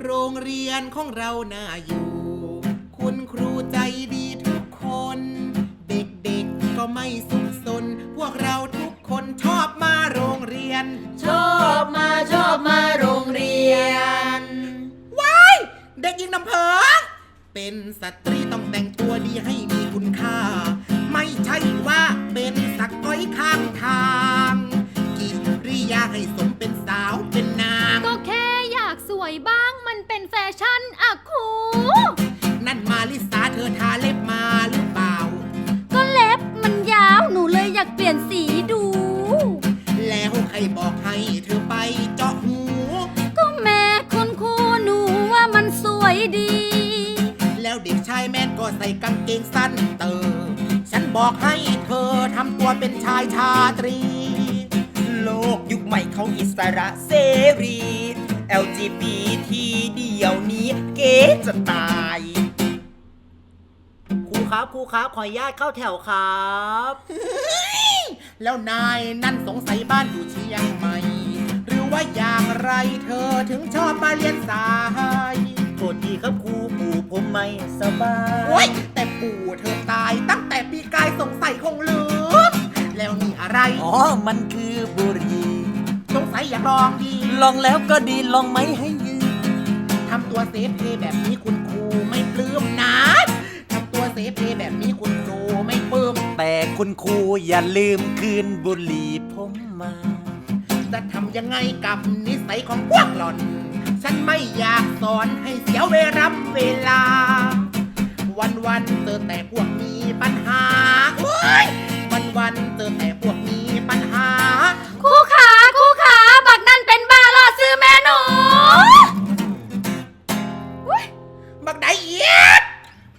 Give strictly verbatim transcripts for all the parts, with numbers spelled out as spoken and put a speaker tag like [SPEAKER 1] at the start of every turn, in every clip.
[SPEAKER 1] โรงเรียนของเราน่าอยู่คุณครูใจดีทุกคนเด็กๆก็ไม่สุขสนพวกเราทุกคนชอบมาโรงเรียน
[SPEAKER 2] ชอบมาชอบมาโรงเรียน
[SPEAKER 1] ว้ายเด็กหญิงน้ำเพิงเป็นสตรีต้องแต่งตัวดีให้มีคุณค่าไม่ใช่ว่าเป็นสักก้อยข้างทางกิริยาให้สมเป็นสาวเป็นนาง
[SPEAKER 3] ก็แค่อยากสวยบ้างมันเป็นแฟชั่นอะครู
[SPEAKER 1] นั่นมาลิสาเธอทาเล็บมาหรือเปล่า
[SPEAKER 3] ก็เล็บมันยาวหนูเลยอยากเปลี่ยนสีดู
[SPEAKER 1] แล้วใครบอกให้เธอไปเจาะหู
[SPEAKER 3] ก็แม่คุณครูหนูว่ามันสวยดี
[SPEAKER 1] แล้วเด็กชายแม่นก็ใส่กางเกงสั้นเตอฉันบอกให้เธอทำตัวเป็นชายชาตรี
[SPEAKER 2] โลกยุคใหม่เขาอิสระเสรี แอล จี บี ที เดี๋ยวนี้เก๋จะตายครูครับครูครับขออนุญาตเข้าแถวครับ
[SPEAKER 1] แล้วนายนั่นสงสัยบ้านอยู่เชียงใหม่หรือว่าอย่างไรเธอถึงชอบมาเรียนสาย
[SPEAKER 2] โทษทีครับครูปู่ผมไม่สบาย
[SPEAKER 1] โอ๊ยแต่ปู่เธอตายตั้งแต่ปีกายสงสัยคงลืมแล้วนี่อะไร
[SPEAKER 2] อ๋อมันคือบุหรี่
[SPEAKER 1] สงสัยอยากลองดี
[SPEAKER 2] ลองแล้วก็ดีลองไหมให้ยืม
[SPEAKER 1] ทำตัวเซฟเพแบบนี้คุณครูไม่ปลื้มนะทำตัวเซฟเพแบบนี้คุณครูไม่ปลื้ม
[SPEAKER 2] แต่คุณครูอย่าลืมคืนบุหรี่ผมมา
[SPEAKER 1] จะทำยังไงกับนิสัยของพวกหล่อนฉันไม่อยากสอนให้เสียเวลาเวลาวันๆเจอแต่พวกมีปัญหาวันๆเจอแต่พวกมีปัญหา
[SPEAKER 3] ครูขาครูขาบักนั่นเป็นบ้าล่อซื้อแม่หนู
[SPEAKER 1] บักไดเอียด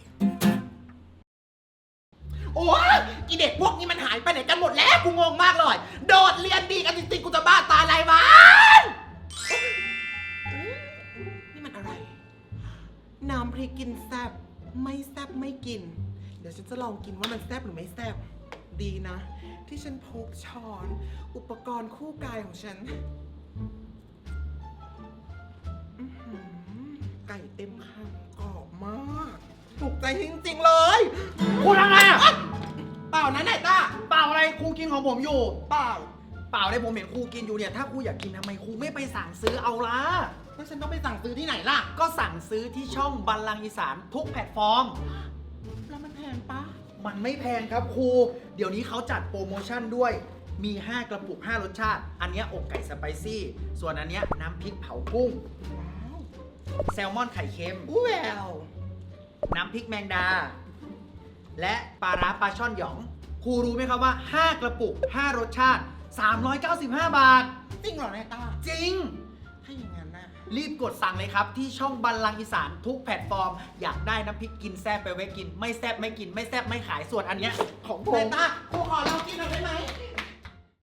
[SPEAKER 1] โอ้ยอีเด็กพวกนี้มันหายไปไหนกันหมดแล้วกูงงมากเลยโดดเรียนดีกันจริงๆกูจะบ้าตายไรวะนี่มันอะไรน้ำพริกกินแซ่บไม่แซ่บไม่กินเดี๋ยวฉันจะลองกินว่ามันแซ่บหรือไม่แซ่บดีนะที่ฉันพกช้อนอุปกรณ์คู่กายของฉันไก่เต็มคำกรอบมากถูกใจจริงๆเลย
[SPEAKER 4] ครูทำไงอ่ะ
[SPEAKER 1] เปล่านะนายต้า
[SPEAKER 4] เปล่าอะไรครูกินของผมอยู่
[SPEAKER 1] เปล่า
[SPEAKER 4] เปล่าเลยผมเห็นครูกินอยู่เนี่ยถ้าครูอยากกินทำไมครูไม่ไปสั่งซื้อเอาล่ะ
[SPEAKER 1] แล้วฉันต้องไปสั่งซื้อที่ไหนล่ะ
[SPEAKER 4] ก็สั่งซื้อที่ช่องบัลลังก์อีสานทุกแพลตฟอร์ม
[SPEAKER 1] แล้วมันแพงปะ
[SPEAKER 4] มันไม่แพงครับครูเดี๋ยวนี้เขาจัดโปรโมชั่นด้วยมีห้ากระปุกห้ารสชาติอันนี้อกไก่สไปซี่ส่วนอันนี้น้ำพริกเผากุ้งแซลมอนไข่เค็ม
[SPEAKER 1] แวว
[SPEAKER 4] น้ำพริกแมงดาและปลาร้าปลาช่อนหยองครูรู้ไหมครับว่าห้ากระปุกห้ารสชาติสามร้อยเก้าสิบห้าบาท
[SPEAKER 1] จริงเหรอนายต้า
[SPEAKER 4] จริง
[SPEAKER 1] ถ้าอย่างนั้นนะ
[SPEAKER 4] รีบกดสั่งเลยครับที่ช่องบัลลังก์อีสานทุกแพลตฟอร์มอยากได้น้ำพริกกินแซ่บไปไว้กินไม่แซ่บไม่กินไม่แซ่บไม่ขายส่วนอันเนี้ยของผม
[SPEAKER 1] นายต้าครูขอลองกินหน่อยได้ไหม